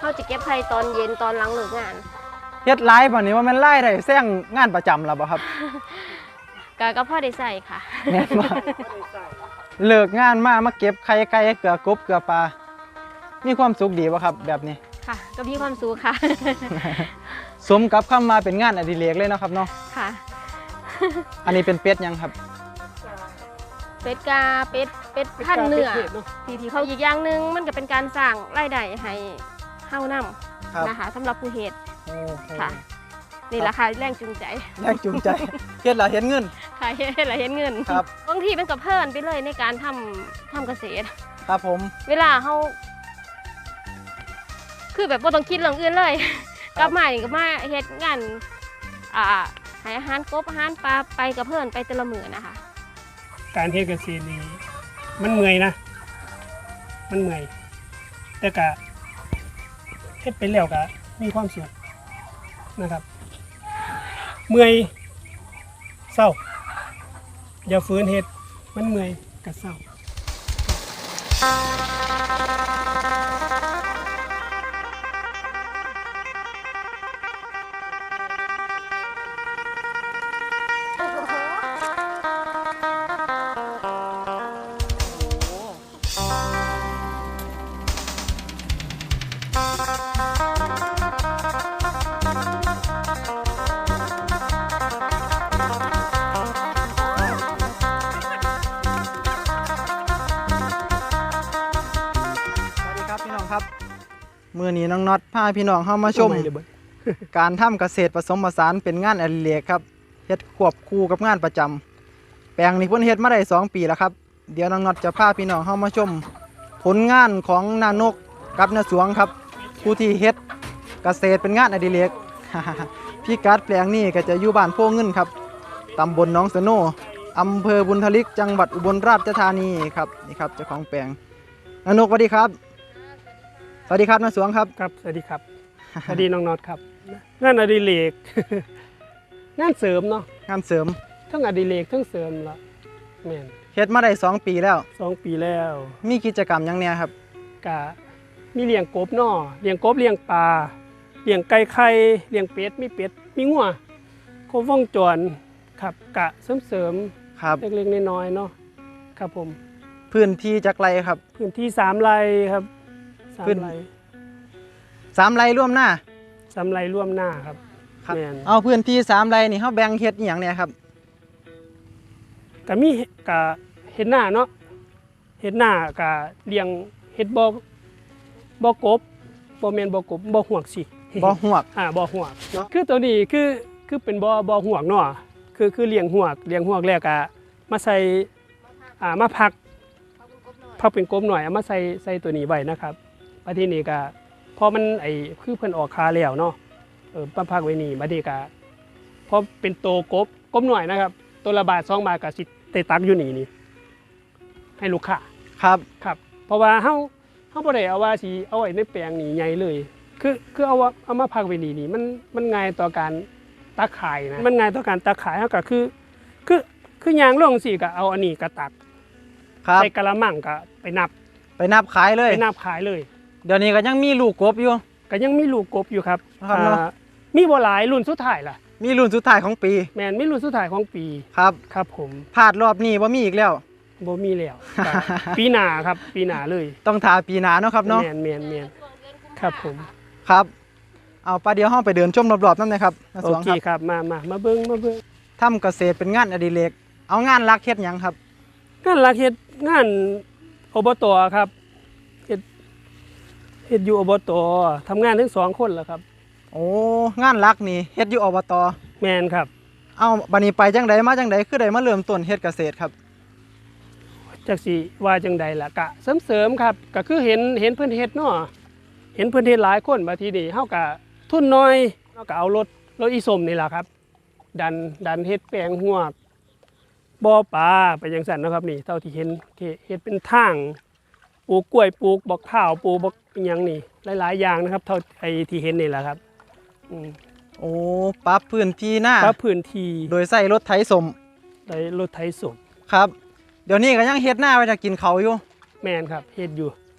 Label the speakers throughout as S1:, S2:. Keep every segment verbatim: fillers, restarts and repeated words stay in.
S1: เขาจะเก็บไข่ตอนเย็นตอนหลังเลิกงาน
S2: เฮ็ดไลฟ์บ่นี้ว่ามันไล่ได้แซงงานประจำแล้วบ่ครับ
S1: กะก็พ่อได้ใส่ค่ะ
S2: แม่นบ่เลิกงานมามาเก็บไข่ไก่เกลือกบเกลือปลามีความสุขดีบ่ครับแบบนี้
S1: ค่ะก็มีความสุขค่ะ
S2: สมกับคำมาเป็นงานอดิเรกเลยเนาะครับเนาะ
S1: ค่ะ
S2: อันนี้เป็นเป็ดยังครับ
S1: เป็ดกาเป็ดเป็ดพันเนื้อที่ที่เขาอีกอย่างหนึ่งมันก็เป็นการสร้างรายได้ให้เฮานำนะคะสำหรับผู้เฮ็ดค่ะนี่แหละค่ะแรงจูงใจ
S2: แรงจูงใจเฮ็ดละเห็นเงิน
S1: ค่ะเฮ็ดละเห็นเงิน
S2: ครับ
S1: บางทีมันก็เพลินไปเลยในการทำทำเกษตร
S2: ครับผม
S1: เวลาเฮาคือแบบบ่ต้องคิดเรื่องอื่นเลยกลับมาอย่างก็มาเฮ็ดงานอ่าให้อาหารกบอาหารปลาไปกับเพื่อนไปแต่ละมื้อนะคะ
S3: การเฮ็ดเกษตรนี่มันเมื่อยนะมันเมื่อยแต่ก็เฮ็ดไปแล้วก็มีความสุขนะครับเมื่อยเศร้าอย่าฝืนเฮ็ดมันเมื่อยก็เศร้า
S2: ครับมื้อนี้น้องน็อตพาพี่น้องเข้ามาชมการทำเกษตรผสมผสานเป็นงานอดิเรกครับเฮ็ดควบคู่กับงานประจำแปลงนี้เพิ่นเฮ็ดมาได้สองปีแล้วครับเดี๋ยวน้องน็อตจะพาพี่น้องเข้ามาชมผลงานของนานกกับนาสวงครับผู้ที่เฮ็ดเกษตรเป็นงานอดิเรก พี่กัดแปลงนี้ก็จะอยู่บ้านโพเงินครับตำบลหนองสโนอำเภอบุญทลิกจังหวัดอุบลราชธานีครับนี่ครับเจ้าของแปลงนานกสวัสดีครับสวัสดีครับนาสวงครับ
S3: ครับสวัสดีครับสวัสดีน้องน็อตครับงานอดิเรก งานเสริมเนาะ
S2: งานเสริม
S3: ทั้งอดิเรกทั้งเสริมละแม่น
S2: เฮ็ดมาได้สองปีแล้ว
S3: สองปีแล้ว
S2: มีกิจกรรมยังเนี่ยครับ
S3: กะมีเลี้ยงกบเนาะเลี้ยงกบเลี้ยงปลาเลี้ยงไก่ไข่เลี้ยงเป็ดมีเป็ดมีงัวครบวงจรครับกะเสริมเสริม
S2: ครับ
S3: เล็กๆน้อยๆเนาะครับผม
S2: พื้นที่จักไรครับ
S3: พื้นที่สามไร่ครับสามไร่
S2: สามไร่ร่วมหน้า
S3: สามไร่ร่วมหน้าครับ
S2: ครับเอาพื้นที่สามไร่นี่เขาแบ่งเฮ็ดอหย่างเนี่ยครับ
S3: ก็มีกะเฮ็ดหน้าเนาะเฮ็ดหน้ากะเลี้ยงเฮ็ดบ่บ่กบบ่แม่นบ่กบบ่หวกสิ
S2: บ่หวก
S3: อ่าบ่หวกเนาะคือตัวนี้คือคือเป็นบ่บ่หวกเนาะคือคือเลี้ยงหวกเลี้ยงหวกแล้วก็มาใส่อ่ามาพักพักเป็นกบหน่อยเอามาใส่ใส่ตัวนี้ไว้นะครับบัดทีนี้ก็พอมันไอ้คือเพิ่นออกคาแล้วเนาะเออมาพักไว้นี่บัดนี้ก็พอเป็นโตกบกบหน่อยนะครับตัวละบาทสองบาทก็สิได้ตักอยู่นี่นี่ให้ลูกค้า
S2: ครับ
S3: ครับเพราะว่าเฮาเฮาบ่ได้เอาว่าสิเอาไว้ในแปลงนี่ใหญ่เลยคือคือเอาเอามาพักไว้นี่นี่มันมันง่ายต่อการตักขายนะมันง่ายต่อการตักขายเฮาก็คือคือคือย่างลงสิก็เอาอันนี้ก็ตักใส่กะละมังก็ไปนับ
S2: ไปนับขายเลย
S3: ไปนับขายเลย
S2: เดี๋ยวนี้ก็ยังมีลูกกบอยู่
S3: ก็ยังมีลูกกบอยู่ครับมีบ่หลายรุ่นสุดท้ายล่ะ
S2: มีรุ่นสุดท้ายของปี
S3: แม่นมีรุ่นสุดท้ายของปี
S2: ครับ
S3: ครับผม
S2: พลาดรอบนี้บ่มีอีกแล้ว
S3: บ่มีแล้วปีหน้าครับปีหน้าเลย
S2: ต้องทาปีหน้าเนาะครับเนาะ
S3: แม่นแม่นแม่นครับผม
S2: ครับเอาปลาเดียวเฮาไปเดินชมรอบๆนำนะครับนาสวงครับ
S3: โอเคครับมามามาเบิ่งมาเบิ่ง
S2: ทำเกษตรเป็นงานอดิเรกเอางานหลักเฮ็ดหยังครับ
S3: งานหลักเฮ็ดงานอบต.ครับเฮ็ดเฮ็ดอยู่อบต.ทำงานทั้งสองคนแล้วครับ
S2: โอ้งานหลักนี่เฮ็ดอยู่อบต.
S3: แม่นครับ
S2: เอาบัดนี้ไปจังไดมาจังไดคือได้มาเริ่มต้นเฮ็ดเกษตรครับ
S3: จักสิว่าจังใดล่ะกะเสริมๆครับก็คือเห็นเห็นเพิ่นเฮ็ดเนาะเห็นเพิ่นเฮ็ดหลายคนบางทีนี่เฮาก็ทุนน้อยเฮาก็เอารถรถอีส้มนี่ล่ะครับดันดันเฮ็ดแปลงหวกบ่อปลาไปจังซั่นนะครับนี่เท่าที่เห็นเฮ็ดเป็นทางปลูกกล้วยปลูกบักข้าวปลูกบักอิหยังนี่หลายๆอย่างนะครับเท่าไอ้ที่เห็นนี่แหละครับอืม
S2: โอ้ปรับพื้นที่หน้า
S3: ปรับพื้นที่
S2: โดยใส่รถไถสม
S3: ใส่รถไถสม
S2: ครับเดี๋ยวนี้ก็ยังเฮ็ดหน้าไว้ถ้ากินเขาอยู่
S3: แม่นครับเฮ็ดอยู่
S2: แ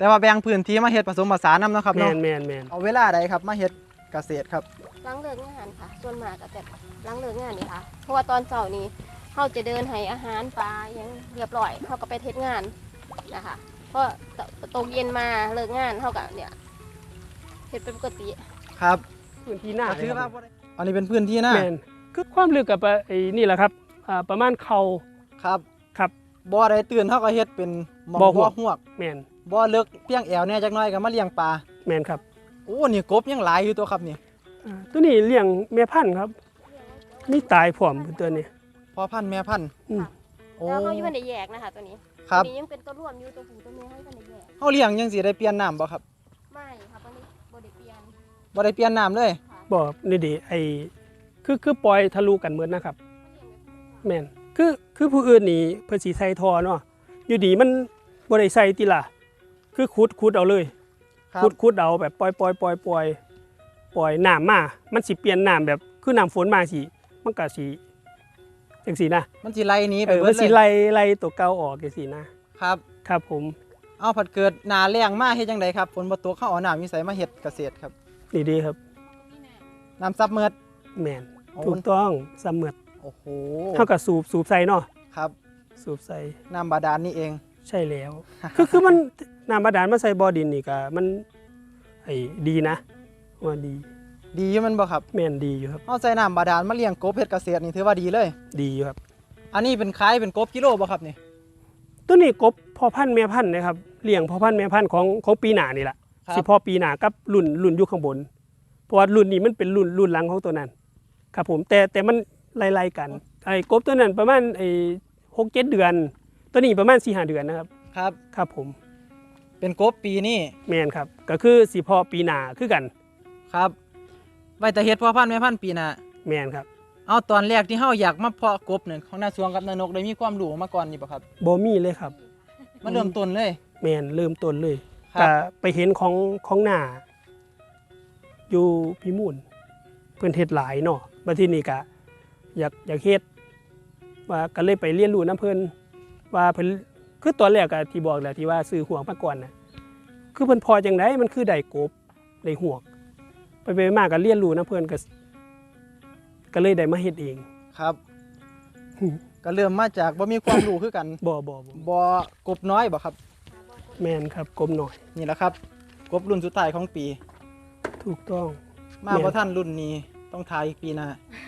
S2: แต่ว่าแบ่งพื้นที่มาเฮ็ดผสมผสานนำเนาะครับ
S3: แม
S2: เนาะ
S3: นแมนแมน
S2: เอาเวลาใดครับมาเฮ็ดเกษตรครับ
S1: หลังเลิกงานค่ะ ส่วนมากก็จะหลังเลิกงานนี่ค่ะ เพราะว่าตอนเช้านี้เขาจะเดินให้อาหารปลาอย่างเรียบร้อยเขาก็ไปเทศงานนะคะเพราะตกเย็นมาเลิกงานเขาก็เนี่ยเฮ็ดเป็นปกติ
S2: ครับ
S3: พื้นที่หน้า
S2: ก็
S3: เล
S2: ถื
S3: ย
S2: อ
S3: ค
S2: ว่า
S3: รับ
S2: บ่ได้อันนี้เป็นพื้นที่หน้า
S3: แมนคือความลึกกับไอ้นี่แหละครับอ่าประมาณเข่า
S2: ครับ
S3: ครับ
S2: บ่ได้ตื่นเฮาก็เฮ็ดเป็นหม่อง
S3: บ่
S2: บ่
S3: ฮวก
S2: ฮวก
S3: แมน
S2: บ่เลิกเพียงแอวเนี่ยจักหน่อยก็มาเลี้ยงปลา
S3: แมนครับ
S2: โอ้นี่กบยังหลายอยู่ตัวครับนี่
S3: อ่าตัวนี้เลี้ยงแม่พันธุ์ครับมีตายพร้อมตัวนี้
S2: พ่อพันธุ์แม่พันธุ์
S3: อืม
S2: โอ้
S1: แล้วเขาอยู่ในแยกนะคะตัวนี้
S2: ครับ
S1: ตัวนี้ยังเป็นตัวร่วมอยู่ตัวผู้ตัวเมียเขาอยู่ในแยก
S2: เฮาเลี้ยงจังสิได้เปลี่ยนน้ำบ่ครับ
S1: ไม่ค่ะตัวนี้บไดิเปลี่ยน
S2: บ่ได้เปลี่ยนน้ำเลย
S1: ค่ะ
S3: บอกนี่ดิไอ้คือคือปล่อยทะลุกันเหมือนนะครับ แม่นคือคือผู้อื่นนี่เพิ่นสิใส่ทอเนาะอยู่ดีมันบ่ได้ใส่ติล่ะคือขุดขุดเอาเลย
S2: ครับ
S3: ขุดขุดเอาแบบปล่อยปล่อยปล่อยปล่อยปล่อยน้ำมามันสิเปลี่ยนน้ำแบบคือน้ำฝนมาสิมันก็สิจังซี่นะ
S2: มันสิไล่หนี้ไป
S3: เออ
S2: เบิ
S3: มั
S2: ด
S3: น
S2: เล
S3: สิ
S2: ย
S3: ไล่ไล่ตัวเก่าออกจังซี่นะครับ ครับผม
S2: เอาผัดเกิดหนาแรงมาเฮ็ดจังไดครับฝนบ่ตกเข้าเอาน้ำมีไสมาเฮ็ดเกษตรครับ
S3: นี่ดีครับ
S2: น้ำซับเมิด
S3: แม่น
S2: โอ้
S3: ถูกต้องเสมอ
S2: โอ้โห
S3: เท่ากับสูบสูบใส่เนาะ
S2: ครับ
S3: สูบใส่
S2: น้ำบาดาลนี่เอง
S3: ใช่แล้ว คือคือมันน้ำบาดาลมาใส่บ่อดินนี่ก็มันไอ้ดีนะว่าดี
S2: ดีอยู่แมันบ่ครับ
S3: แม่นดีอยู่ครับ
S2: เอาใส่น้ำบาดาลมาเลี้ยงกบเฮ็ดเกษตรนี่ถือว่าดีเลย
S3: ดีอยู่ครับ
S2: อันนี้เป็นขายเป็นกบกิโลบ่ครับนี่
S3: ตัวนี้กบพ่อพันธุ์แม่พันธุ์นะครับเลี้ยงพ่อพันธุ์แม่พันธุ์ของของปีหน้านี่แหละ
S2: ครับ
S3: สิพ่อปีหน้ากับรุ่นรุ่นอยู่ข้างบน เพราะว่ารุ่นนี้มันเป็นรุ่นรุ่นหลังของตัวนั้น ครับผมแต่แต่มันไล่ๆกันไอ้กบตัวนั้นประมาณไอ้หกเจ็ดเดือน ตัวนี้ประมาณสี่ห้าเดือนนะครับ
S2: ครับ
S3: ครับผม
S2: เป็นกบปีนี้
S3: แม่นครับก็คือสิพ่อปีหน้าคือกัน
S2: ครับไว้แต่เฮ็ดพ่อพันธุ์แม่พันธุ์ปีหน้า
S3: แม่นครับ
S2: เอาตอนแรกที่เฮาอยากมาเพาะกบเนี่ยของน้าสวงกับน้านกได้มีความรู้มาก่อนนี่บ่ครับ
S3: บ่มีเลยครับ
S2: มาเริ่มต้นเลย
S3: แมนเริ่มต้นเลย
S2: ครับ
S3: ก็ไปเห็นของของหน้าอยู่พิมูลเพิ่นเฮ็ดหลายเนาะบัดทีนี้ก็อยากอยากเฮ็ดว่าก็เลยไปเรียนรู้น้ำเพิ่นว่าเพิ่นคือตอนแรกก็ที่บอกแหละที่ว่าซื้อห่วงมาก่อนน่ะคือเพิ่นพอจังไดมันคือได้กบได้ห่วงไปไปมาก็เรียนรู้น้ำเพิ่นก็ก็เลยได้มาเฮ็ดเอง
S2: ครับ ก็เริ่มมาจากบ่มีความรู้คือกัน
S3: บ่บ่บ่
S2: บ่กบน้อยบ่ครับ
S3: แมนครับกบหน่อย
S2: นี่แหละครับ กบรุ่นสุดท้ายของปี
S3: ถูกต้อง
S2: มา
S3: แม่น
S2: บ่ทันรุ่นนี้ต้องทายอีกปีหน้า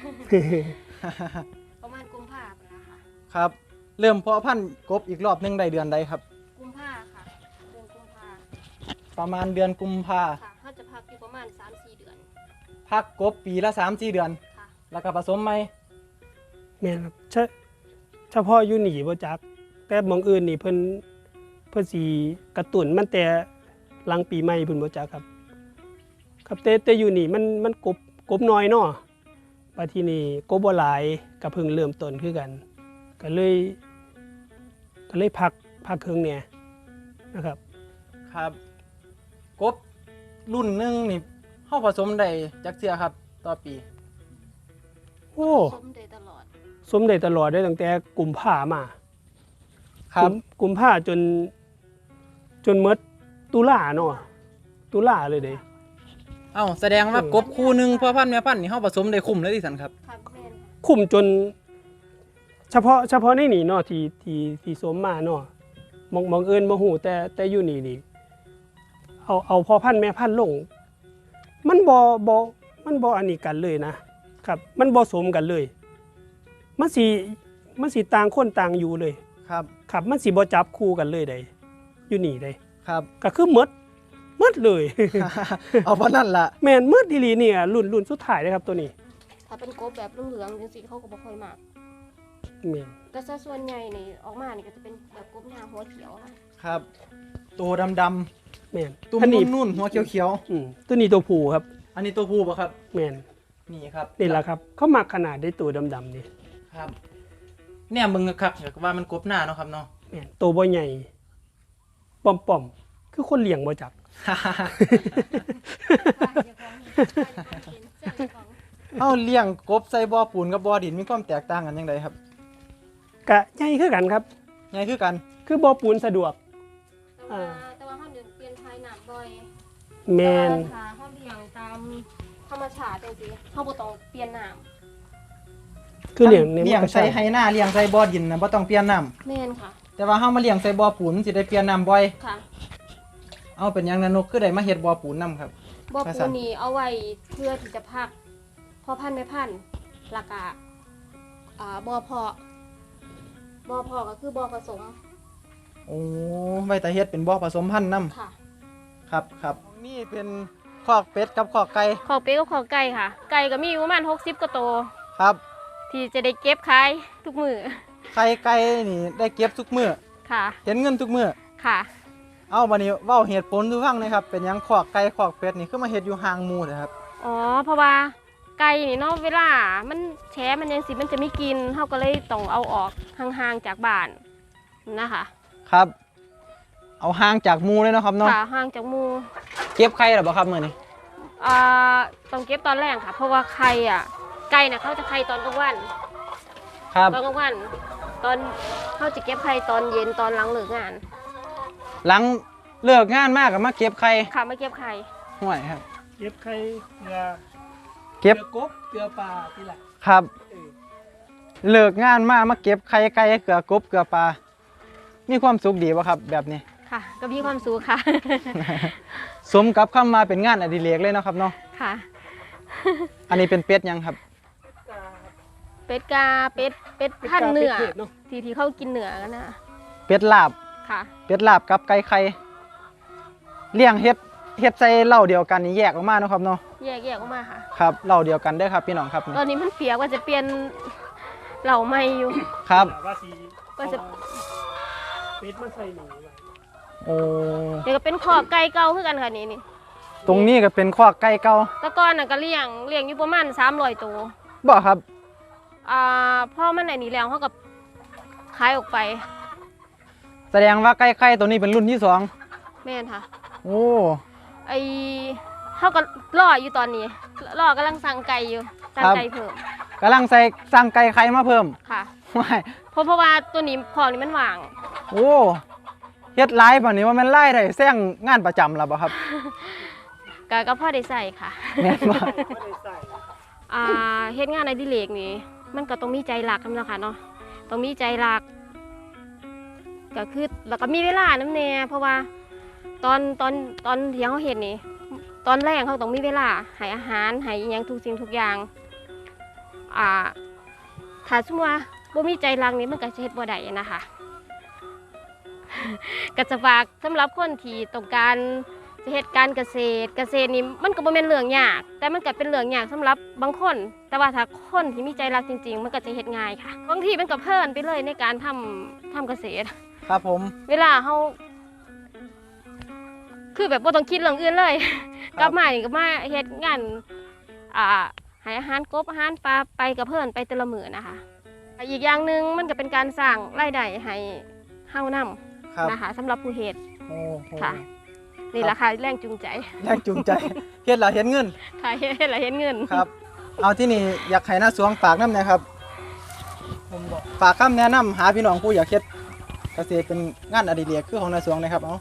S1: ประมาณกุมภาพันธ์นะคะ
S2: ครับ เริ่มเพาะพันธุ์กบอีกรอบหนึงได้เดือนใดครับ
S1: กุมภาค่ะเดือนกุมภา
S2: ประมาณเดือนกุมภา
S1: ค่ะเขาจะพักอยู่ประมาณ สามสี่ เดือน
S2: พักกบปีละ สามสี่ เดือน
S1: ค่ะ
S2: แล้วก็ผสมใหม่
S3: แม่นครับเฉเฉพาะอยู่หนีบ่จัก แต่หมองอื่นนี่เพิ่นเพิ่นสิกระตุ้นมันแต่หลังปีใหม่เพิ่นบ่จักครับ ครับแต่แต่อยู่นี่มันมันกบกบน้อยเนาะบัดทีนี้กบบ่หลายก็เพิ่งเริ่มต้นคือกัน ก็เลย ก็เลยพักพักเครื่องเนี่ยนะครับ
S2: ครับ กบรุ่นหนึงนี่เฮาผสมได้จักเทื่อครับ ต่อปี
S3: โอ้
S1: สมได้ตลอด
S3: สมได้ตลอดได้ตั้งแต่กุมภามา
S2: ครับ
S3: กุมกุมภาจน จนหมดตุลาเนาะตุลาเลยเด้
S2: เอ้าแสดงว่ากบคู่หนึงพ่อพันธุ์แม่พันธุ์นี่เฮาผสมได้คุ้มเลยที่สันครับ
S1: ค่ะแม่นค่ะ
S3: คุมจน เฉพาะเฉพาะในนี่เนาะที่ที่ที่สมมาเนาะมองมองเอินบ่ฮู้แต่แต่อยู่นี่นี่เอาเอาพ่อพันธุ์แม่พันธุ์ลง มันบ่บ่มันบ่อันนี้กันเลยนะครับ มันบ่สมกันเลย มันสิมันสิต่างคนต่างอยู่เลย
S2: ครับ
S3: ครับมันสิบ่จับคู่กันเลยได้อยู่นี่ได้
S2: ครับ
S3: ก็คือหมดหมดเลย
S2: เอาเพราะนั่นล่ะ
S3: แม่นหมดอีหลีเนี่ยรุ่นรุ่นสุดท้ายเลยครับตัวนี้
S1: ถ้าเป็นกบแบบเหลืองๆจังซี่เขาก็บ่ค่อยมาก
S3: แม่น
S1: แต่ซะส่วนใหญ่นี่ออกมานี่ก็จะเป็นแบบกบหน้าหัวเขียวค่ะ
S2: ครับ ตัวดำ
S3: แม่น
S2: ๆตุ้ม
S3: อันนี้
S2: นุ่นๆหัวเขียว
S3: อืมตัวนี้ตัวผู้ครับ
S2: ๆอันนี้ตัวผู้ป่ะครับ
S3: แม่น
S2: นี่ครับ
S3: นี่แหละครับ เขามักขนาดได้ตัวดำๆนี่
S2: ครับ เนี่ยมึงคักๆอยากว่ามันกบหน้าเนาะครับเนาะ
S3: แม่นตัวบ่ใหญ่ป้อมๆคือคนเลี้ยงบ่จัก
S2: เฮาเลี้ยงกบใส่บ่อปูนกับบ่อดินมีความแตกต่างกันยังไงครับ
S3: กะใหญ่คือกันครับ
S2: ไงคือกัน
S3: คือบ่อปูนสะดวก
S1: แต่ว่าแต่ว่าเขาเดินเปลี่ยน
S3: แม่น
S1: ถ้าเขาเลี้ยงตามธรรมชาติจังซี่เขาบ่ต้องเปลี่ยนน้ำ
S3: คือเลี้ยงใน
S2: เลี้ยง
S3: มันก็
S2: ใส่ไหหน้าเลี้ยงใส่บ่อดินนะบ่ต้องเปลี่ยนน้ำ
S1: แม่นค่ะ
S2: แต่ว่าเฮามาเลี้ยงใส่บ่อปูนสิได้เปลี่ยนน้ำบ่อย
S1: ค่ะ
S2: เอาเป็นหยังนะนกคือได้มาเฮ็ดบ่อปูนนํครับ
S1: บ่อ
S2: ว่า
S1: ปู
S2: ซั่น
S1: นี่เอาไว้เพื่อที่จะพักพ่อพันธุ์แม่พันธุ์แล้วก็อ่าบ่อเพาะบ่อเพาะก็คือบ่อผสม
S2: โอ้ไว้แต่เฮ็ดเป็นบ่อผสมพันธุ์นํ
S1: ค่ะ
S2: ครับครับนี่เป็นคอกเป็ดกับคอกไก่
S1: ขอเป็ดกับขอไก่ค่ะ ไก่ก็มีอยู่ประมาณหกสิบกว่าตัว
S2: ครับ
S1: ที่จะได้เก็บขายทุกมื้อ
S2: ไข่ไก่นี่ได้เก็บทุกมื้อ
S1: ค่ะ
S2: เห็นเงินทุกมื้อ
S1: ค่ะ
S2: เอาบัดนี้เว้าเหตุผลดูฟังหนะครับ เป็นหยังคอกไก่คอกเป็ดนี่คือมาเฮ็ดอยู่ห่างหมู่นะครับ
S1: อ๋อ เพราะว่าไก่นี่เนาะเวลา มันแฉะมันยังสิมันจะไม่กินเฮาก็เลยต้องเอาออกห่างๆจากบ้านนะคะ
S2: ครับ เอาห่างจากหมู่เลยเนาะครับเนาะ
S1: ค่ะห่างจากหมู่
S2: เก็บไข่หรอบ่ครับมื้อนี้
S1: อ่าต้องเก็บตอนแรกค่ะ เพราะว่าไข่อ่ะไก่น่ะเขาจะไข่ตอนกลางวัน
S2: ครับ
S1: ตอนกลางวัน ตอนเขาจะเก็บไข่ตอนเย็นตอนหลังเลิกงาน
S2: หลังเลิกงานมากก็มาเก็บไข่
S1: ค่ะมาเก็บไข่
S2: ห่วยครับ
S3: เก็บไข่เกลือ
S2: เก็บ
S3: กลือกบเกลือปลาที่ละ
S2: ครับ
S3: เออ
S2: เลิกงานมามาเก็บไข่ไก่เกลือกบเกลือปลา มีความสุขดีบ่ครับแบบนี้
S1: ค่ะ ก็มีความสุขค่ะ
S2: สมกับคำมาเป็นงานอดิเรกเลยเนาะครับเนาะ
S1: ค่ะ
S2: อันนี้เป็นเป็ดยังครับ
S1: เป็ดกาเป็ดเป็ดพันธุ์เนื้อ
S3: เป็ดเนาะ
S1: ที่ที่เขากินเนื้อกันนะ
S2: เป็ดลาบ
S1: ค่ะ
S2: เป็ดลาบกับไก่ไข่เลี้ยงเฮ็ดเฮ็ดใส่เหล้าเดียวกันนี่แยกออกมาเนาะครับเนาะ
S1: แยกแยกออกมาค่ะ
S2: ครับเหล้าเดียวกันเด้อครับพี่น้องครับ
S1: ตอนนี้มันเปียกว่าจะเปลี่ยนเหล่าใหม่อยู่
S2: ครับ
S3: ว่าสี
S1: ก็จะ
S3: เป็ดมันใส่หนูไว้
S2: โอ้
S1: เดี๋ยวก็เป็นขอบไก่เก่าคือกันค่ะนี่นี่
S2: ตรงนี้ก็เป็นคอกไก่เก่า
S1: แตะก้อนน่ะก็เลี้ยงเลี้ยงอยู่ประมาณสามร้อยตัว
S2: บ่ครับ
S1: อ่าพ่อมันไหนนี่แล้วเขากับขายออกไป
S2: แสดงว่าไก่ไข่ตัวนี้เป็นรุ่นที่สอง
S1: แม่นค่ะ
S2: โอ้
S1: ไอเขาก็รออยู่ตอนนี้รอกำลังสั่งไก่อยู่สั่งไก่เพิ่ม
S2: กำลังใส่สั่งไก่ไข่มาเพิ่ม
S1: ค่ะ
S2: ว้าย
S1: เพราะเพราะว่าตัวนี้ของนี่มันว่าง
S2: โอ้เฮ็ดไลฟ์ป่านนี้ว่ามันไล่ได้แซงงานประจำแล้วบ่ครับ
S1: ก็ก็พ่อได้ใส่ค่ะ
S2: แม่นบ่
S3: ไม่ได้ใส่
S1: อ่าเฮ็ดงานในดิเลกนี่มันก็ต้องมีใจรักนำละค่ะเนาะต้องมีใจรักก็คือแล้วก็มีเวลานำแน่เพราะว่าตอนตอนตอนที่เขาเฮ็ดนี่ตอนแรกเขาต้องมีเวลาให้อาหารให้อิหยังทุกสิ่งทุกอย่างอ่าถ้าสมมุติว่าบ่มีใจรักนี่มันก็จะเฮ็ดบ่ได้นะคะ ก็จะฝากสำหรับคนที่ต้องการจะเฮ็ดการเกษตร เกษตรนี่มันก็บ่แม่นเรื่องยากแต่มันก็เป็นเรื่องยากสำหรับบางคน แต่ว่าถ้าคนที่มีใจรักจริง ๆ มันก็จะเฮ็ดง่ายค่ะบางทีมันก็เพลินไปเลยในการทำทำเกษตร
S2: ครับผม
S1: เวลาเฮาคือแบบบ่ต้องคิดเรื่องอื่นเลย กลับมานี่ก็มาเฮ็ดงานอ่าให้อาหารกบอาหารปลาไปกับเพิ่นไปแต่ละมื้อนะคะอีกอย่างหนึงมันก็เป็นการสร้างรายได้ให้เฮานำ
S2: ครับ
S1: นะคะสำหรับผู้เฮ็ด
S2: โอ้โห
S1: ค่ะ นี่แหละค่ะแรงจูงใจ
S2: แรงจูงใจ เฮ็ดแล้วเห็นเงิน
S1: ค่ะเฮ็ดแล้วเห็นเงิน
S2: ครับ เอาที่นี่อยากให้หน้าสวงฝากน้ำนะครับ
S3: ผมบอก
S2: ฝากคำแนะนำหาพี่น้องผู้อยากเฮ็ดเกษตรเป็นงานอดิเรกคือของหน้าสวงนะครับเอา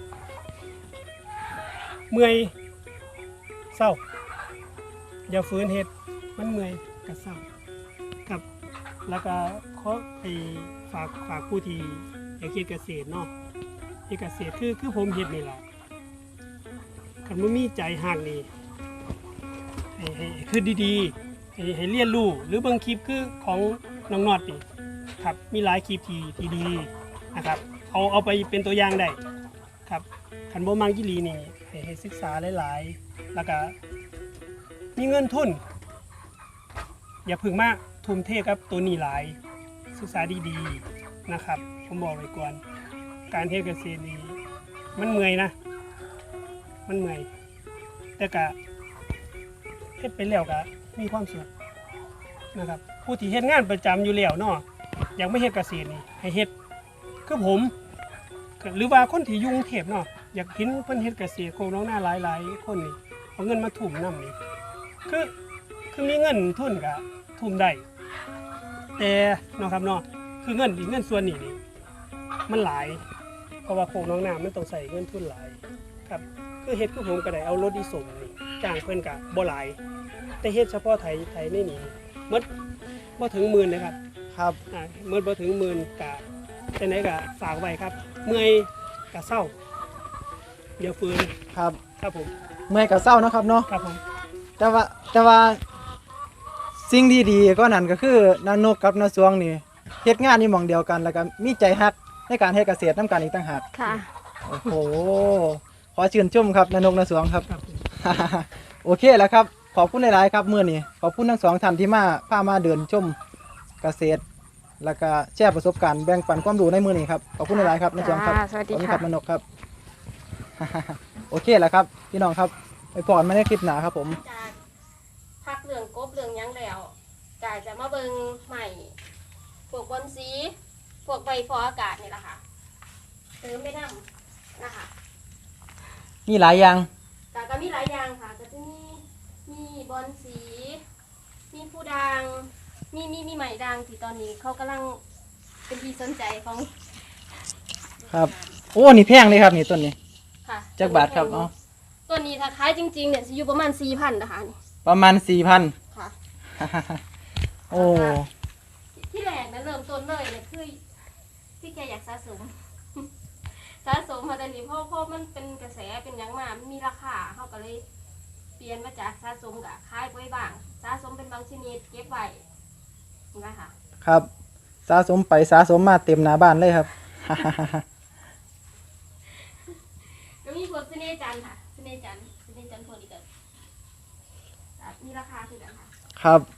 S3: เมื่อยเศร้า อย่าฝืนเฮ็ดมันเมื่อยกับเศร้าครับ แล้วก็ขอไปฝากฝากผู้ที่อยากเฮ็ดเกษตรเนาะเฮ็ดเกษตรคือคือผมเฮ็ดนี่แหละคันบ่มีใจหักนี่ให้ให้คือดีๆให้ให้เรียนรู้หรือเบิ่งคลิปคือของน้องนอดนี่ครับมีหลายคลิปที่ที่ดีนะครับเอาเอาไปเป็นตัวอย่างได้ครับคันบ่มักอีหลีนี่ให้ให้ศึกษาหลายๆแล้วก็มีเงินทุน อย่าเพึ่งมากทุ่มเทกับตัวนี้หลายศึกษาดีๆนะครับผมบอกไว้ก่อนการเฮ็ดเกษตรนี่มันเมื่อยนะ มันเมื่อยแต่ก็เฮ็ดไปแล้วก็มีความสุขนะครับผู้ที่เฮ็ดงานประจำอยู่แล้วเนาะอยากไม่เฮ็ดเกษตรนี่ให้เฮ็ดคือผมก็หรือว่าคนที่อยุ่กรุงเทพเนาะอยากเห็นเพิ่นเฮ็ดเกษตรโคกน้องหน้าหลายๆคนนี่เอาเงินมาทุ่มนำนี่คือคือมีเงินทุนก็ทุ่มได้แต่เนาะครับเนาะคือเงินอีกเงินส่วนนี้นี่มันหลายเพราะว่าโคกน้องหน้ามันต้องใส่เงินทุนหลายครับคคือเฮ็ดคือผมก็ได้เอารถอีสมนี่จ้างเพิ่นก็บ่หลายแต่เฮ็ดเฉพาะไถไถในนี่หมดบ่ถึงหมื่นเลยครับ
S2: ครับ
S3: อ่าหมดบ่ถึงหมื่นก็จังได๋ก็ฝากไว้ครับ เมื่อยก็เศร้าเดี๋ยวฟื้น
S2: ครับ
S3: ครับผม
S2: เมื่อยกับเศร้าเนาะครับเนาะ
S3: ครับผม
S2: แต่ว่าแต่ว่าสิ่งที่ดีก็นั่นก็คือนานกกับนาสวงนี่เฮ็ดงานนี่หม่องเดียวกันแล้วก็มีใจฮักในการเฮ็ดเกษตรนํกันอีกต่างหาก
S1: ค่ะ
S2: โอ้โหขอชื่นชมครับนานกนาสวงครับ
S3: ครับผม
S2: โอเคแล้วครับขอบคุณหลายๆครับมื้อนี้ขอบคุณทั้งสองท่านที่มาพามาเดินชมเกษตร แล้วก็แชร์ประสบการณ์แบ่งปันความรู้ในมื้อนี้ครับขอบคุณหลายๆครับนาสวงครับ
S1: ค่ะสวัสดี
S2: ขอบคุณค
S1: ค่ะ
S2: รับนานกครับ โอเคแล้วครับพี่น้องครับไปพอกันมาในคลิปหน้าครับผม
S1: จากพักเรื่องกบเรื่องหยังแล้วกายจะมาเบิงใหม่พวกบอนซีพวกใบฟออากาศนี่แหละค่ะเติมไม่นำนะคะ
S2: มีหลายอย่าง
S1: แต่ก็มีหลายอย่างค่ะก็จะมีมีบอนสี มีผู้ดังมีมีมีใหม่ดังที่ตอนนี้เขากำลังเป็นที่สนใจของ
S2: ครับโอ้นี่แพงเลยครับนี่ต้นนี้
S1: ค่ะ
S2: จักบาทครับเอา
S1: ตัวนี้ถ้าขายจริงๆเนี่ยจะอยู่ประมาณสี่พันนะคะนี่
S2: ประมาณสี่พัน
S1: ค่ะ
S2: โอ้
S1: ที่แรกนะเริ่มต้นเลยเนี่ยคือที่แกอยากสะสม สะสมมาแต่นี้เพราะเพราะมันเป็นกระแสเป็นหยังมามันมีราคาเขาก็เลยเปลี่ยนมาจากสะสมกับขายไว้บ้างสะสมเป็นบางชนิดเก็บไว้นะคะ
S2: ครับสะสมไปสะสมมาเต็มหน้าบ้านเลยครับ
S1: ก็มีพวกเสน่ห์จันทร์ค่ะเสน่ห์จันทร์เสน่ห์จันทร์พวกนี้ก็มีราคาคือกันค่ะ
S2: ครับ